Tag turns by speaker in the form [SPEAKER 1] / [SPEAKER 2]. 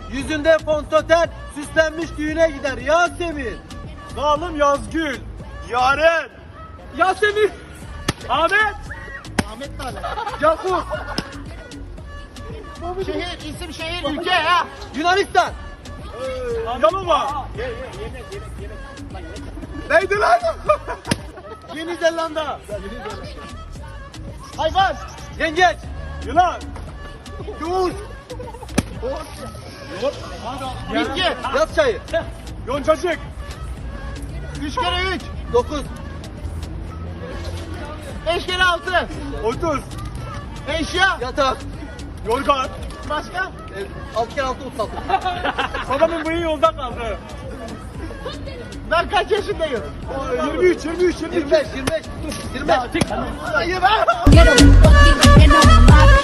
[SPEAKER 1] Yüzünde fontöten, süslenmiş düğüne gider Yasemin.
[SPEAKER 2] Zalim Yazgül. Yaren.
[SPEAKER 1] Yasemin.
[SPEAKER 2] Ahmet.
[SPEAKER 3] Ahmet Tale.
[SPEAKER 1] Cakur.
[SPEAKER 3] Şehir, isim, şehir, ülke ya.
[SPEAKER 1] Yunanistan.
[SPEAKER 2] Yalova. Neydi lan?
[SPEAKER 1] Yeni Zelanda.
[SPEAKER 3] Hayvan.
[SPEAKER 1] Yengeç.
[SPEAKER 2] Yılan.
[SPEAKER 1] Yavuz.
[SPEAKER 3] Bitki.
[SPEAKER 1] Yaz çayı.
[SPEAKER 2] Yoncacık.
[SPEAKER 3] 3 kere 3.
[SPEAKER 1] 9.
[SPEAKER 3] 5 kere 6.
[SPEAKER 2] 30.
[SPEAKER 3] Eşya.
[SPEAKER 1] Yatak.
[SPEAKER 2] Yorgan.
[SPEAKER 3] Başka?
[SPEAKER 1] 6 kere 6 36.
[SPEAKER 2] Babamın bıyığı yolda kaldı.
[SPEAKER 3] Ben kaç yaşındayım?
[SPEAKER 2] 23.
[SPEAKER 1] 25. 25. 25.
[SPEAKER 3] Hayır ben.
[SPEAKER 4] Get 'em fucking in on my